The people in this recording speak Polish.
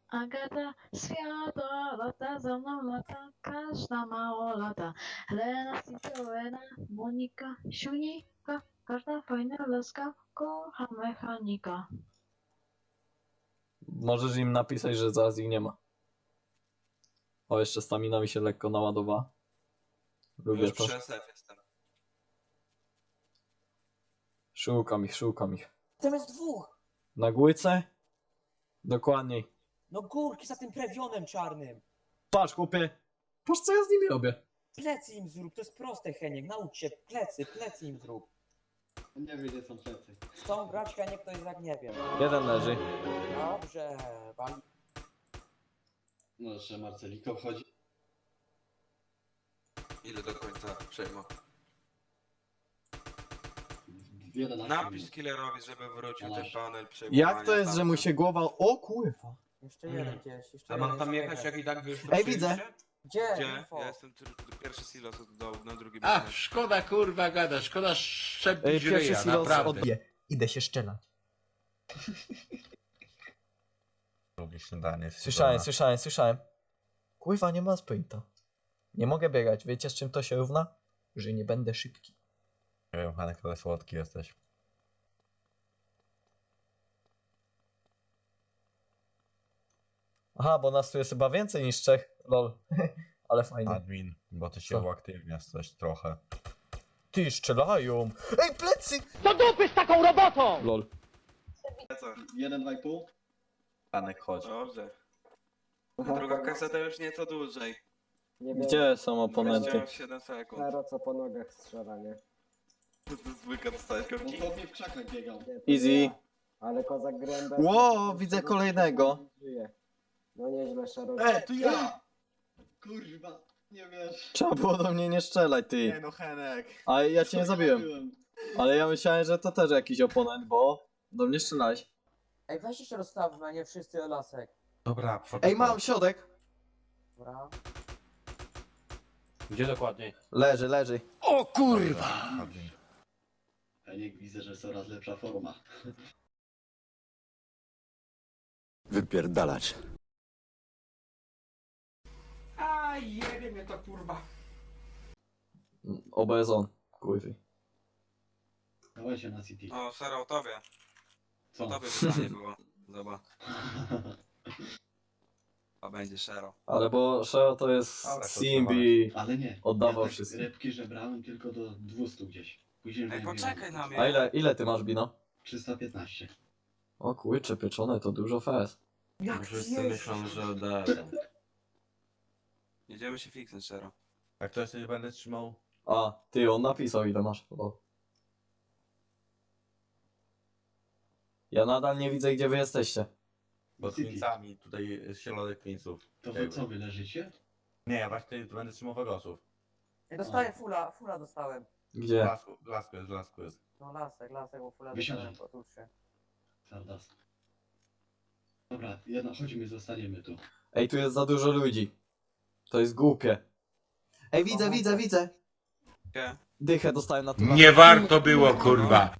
Agata, świata, lata za mną lata, każda mało lata. Helena, Citroena, Monika, Siunika, każda fajna laska, kocha mechanika. Możesz im napisać, że zaraz ich nie ma. O, jeszcze stamina mi się lekko naładowała. Lubię Już to. przy SF jestem. Szukam ich, szukam ich. Tam jest dwóch. Na górce? Dokładniej. No górki za tym prewionem czarnym. Patrz, chłopie. Patrz, co ja z nimi robię. Plecy im zrób, to jest proste, Heniek. Naucz się, plecy im zrób. Nie wiem, gdzie są plecy. Z tą grać Heniek to jest jak nie wiem. Jeden leży. Dobrze, wali. No, jeszcze Marceliko wchodzi. Ile do końca przejmą? 11 Napisz minut. killerowi, żeby wrócił ten panel Jak to jest, że mu się głowa... O kurwa. Jeszcze jeden gdzieś, jeszcze A jeden. mam tam jeszcze jechać, jeden. jak i tak wy już Ej, widzę. ruszyliście? Gdzie? Gdzie? Info. Ja jestem pierwszy silos od dołu, na drugim Ach, jestem. szkoda kurwa gada, szkoda szczepić Pierwszy ryja, silos naprawdę. odbije. Idę się szczelać. Drugie śniadanie. Słyszałem. Kurwa, nie ma sprinta. Nie mogę biegać. Wiecie, z czym to się równa? Że nie będę szybki. Nie wiem, Hanek, ale słodki jesteś. Aha, bo nas tu jest chyba więcej niż trzech. Lol. Ale fajnie. Admin, bo ty się Co? uaktywniasz coś trochę. Ty, strzelają. Ej, plecy! Do dupy z taką robotą! Lol. Co? 1,5. Hanek, chodź. Dobrze. Druga kaseta już nieco dłużej. Nie wiem, Gdzie są oponenty? 27 sekund. Hero co po nogach strzela, nie? To zwykle dostałeś On kopki. po mnie w krzakach biegał. Nie, to Easy. ja. Ale kozak gręba... Ło, widzę kolejnego. Żyje. No nieźle, Szaro. to ja! Kurwa, nie wiesz. Trzeba było do mnie nie strzelać, ty. no Henek. A ja cię nie Co zabiłem. robiłem? Ale ja myślałem, że to też jakiś oponent, bo do mnie strzelałeś. Ej, weźcie się rozstawmy, a nie wszyscy o lasek. Dobra, Ej, mam środek. Dobra. Gdzie dokładniej? Leży. O kurwa! Admin. Ja nie widzę, że coraz lepsza forma. Wypierdalać. A jebie mnie to kurwa. Obezon. Kurwy. Dawaj się na City. O, Sara, o tobie. Co? O tobie pytanie było. Zobacz. A będzie Shero. Ale bo Sheo to jest Dobra, to Simbi. Ale nie. Oddawał ja tak wszystko. rybki żebrałem tylko do 200 gdzieś. Później Ej, miałem poczekaj na mnie. A ile ty masz, Bino? 315. O kurcze, pieczone to dużo fest. Jak Wszyscy myślą, że oddaję. Jedziemy się fiksnąć, Shero. Jak to jeszcze będę trzymał? A, ty, on napisał ile masz. O. Ja nadal nie widzę, gdzie wy jesteście. Bo z City. Queensami, tutaj środek Queensów. To wy co, wy leżycie? Nie, ja właśnie będę trzymał Wegosów. Ej, dostałem fula dostałem. Gdzie? Blasku jest. No lasek, bo fula Wysiadaj. dostałem, otóż się. Sardas. Dobra, chodźmy, zostaniemy tu. Ej, tu jest za dużo ludzi. To jest głupie. Ej, widzę. Gdzie? Dychę dostałem na to. Nie warto było kurwa.